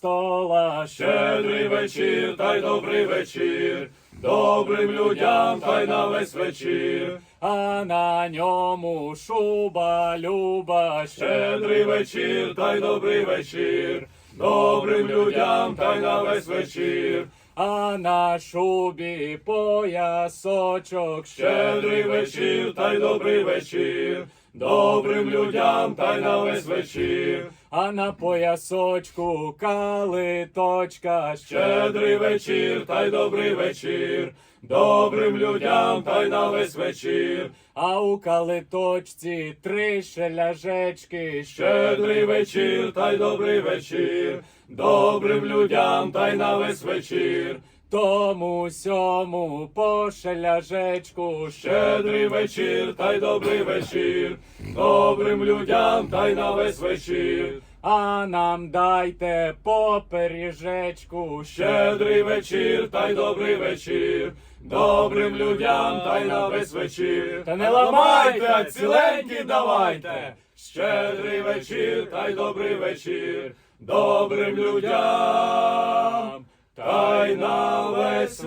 престола. Щедрий вечір, та й добрий вечір, добрим людям та й на весь вечір. А на ньому шуба люба. Щедрий вечір, та й добрий вечір, добрим людям та й на весь вечір. А на шубі поясочок. Щедрий вечір, та й добрий вечір, добрим людям та й на весь вечір. А на поясочку калиточка. Щедрий вечір, та й добрий вечір, добрим людям та й на весь вечір. А у калиточці 3 шеляжечки. Щедрий вечір, та й добрий вечір, добрим людям та й на весь вечір. Тому сьому по шеляжечку. Щедрий вечір, та й добрий вечір, добрим людям та й на весь вечір. А нам дайте по пиріжечку. Щедрий вечір, та й добрий вечір, добрим людям та й на весь вечір. Та не ламайте, а ціленькі давайте. Щедрий вечір, та й добрий вечір, добрим людям та й на весь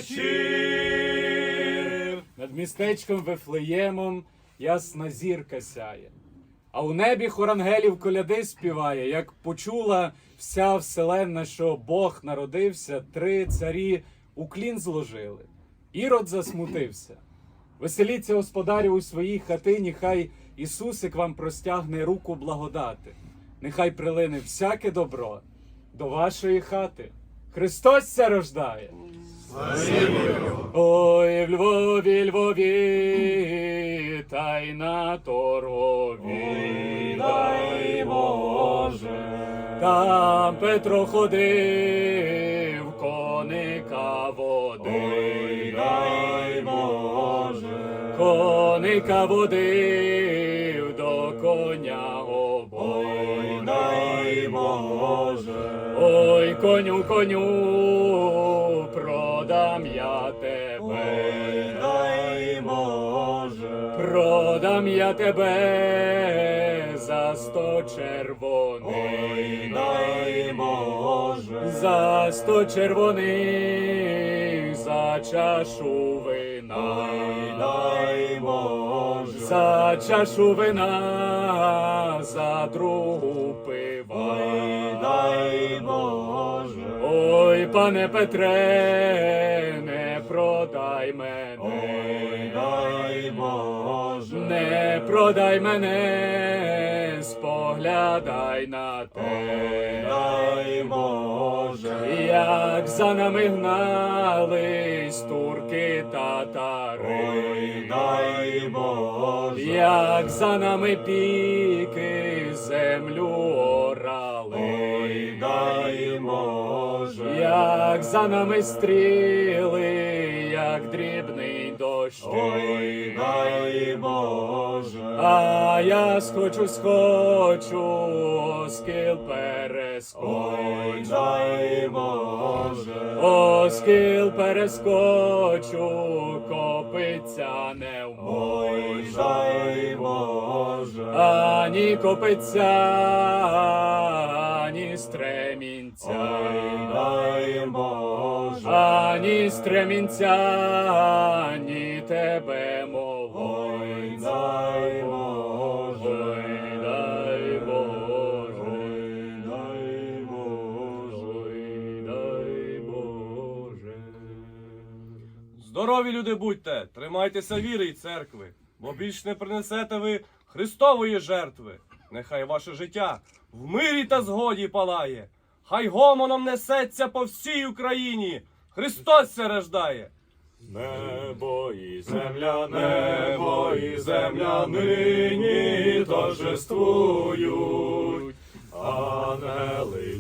вечір. Над містечком Вифлеємом ясна зірка сяє. А у небі хор ангелів коляди співає, як почула вся вселенна, що Бог народився, 3 царі уклін зложили. Ірод засмутився. Веселіться, господарі, у своїй хатині, хай Ісусик вам простягне руку благодати. Нехай прилине всяке добро до вашої хати. Христос ся рождає! Ой, в Львові, Львові, та й на Торгові, дай Боже. Там Петро ходив, коника водив, Дай Боже. коника водив, до коня обой. Дай Боже. Ой, коню, коню, продам я тебе, Дай Боже. продам я тебе за 100 червоних, Дай Боже. за 100 червоних, за чашу вина, Дай Боже. за чашу вина, за другу пива. Дай Боже. Ой, пане Петре, не продай мене, Дай Боже. не продай мене, споглядай на те, Дай Боже. як за нами гнались турки татари, Дай Боже. як за нами піки землю орали. Дай Боже. Як за нами стріли, як дрібний дощ. Ой, дай Боже. А я схочу, оскіл перескочу. Ой, дай Боже. Оскіл перескочу, копиця не Ой, вмочу. дай Боже. Ані копиця, ані стремінця. Ой, дай Боже. Ані стремінця, ані тебе моло. Ой, дай Боже. Ой, дай Боже. Ой, дай Боже. Ой, дай Боже. Здорові люди будьте, тримайтеся віри й церкви, бо більш не принесете ви Христової жертви. Нехай ваше життя в мирі та згоді палає, хай гомоном несеться по всій Україні, Христос се рождає. Небо і земля нині торжествують. Ангели,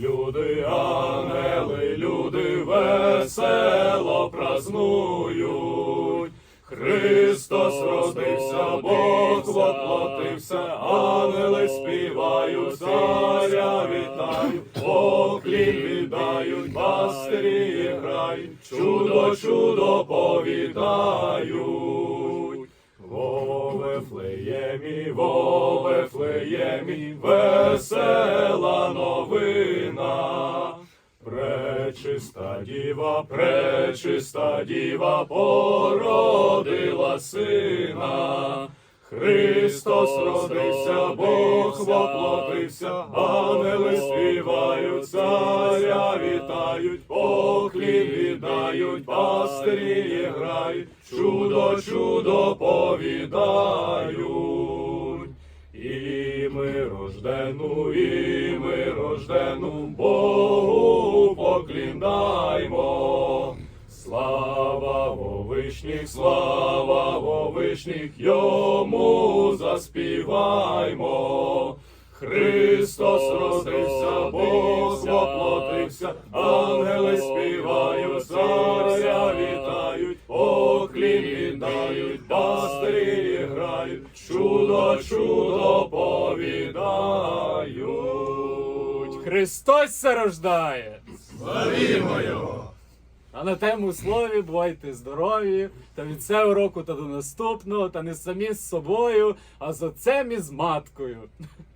люди весело празнують. Христос родився, Бог воплотився, ангели співають, царя вітають, поклін віддають, пастирі грають, чудо, чудо повідають. Во Вифлеємі, весела новина, пречиста діва породила сина. Христос родився, Бог воплотився, ангели співають, царя вітають, поклін віддають, пастирі грають, чудо, чудо повідають. І ми рождену Богу покліндаймо. Слава во вишніх, йому заспіваймо. Христос родився, Бог воплотився, ангели співають, царя вітають, поклін віддають, пастирі грають, чудо, чудо повідають. Христос се рождає! Славімо його! А на тему слові бувайте здорові, та від цього року та до наступного, та не самі з собою, а з отцем і з маткою.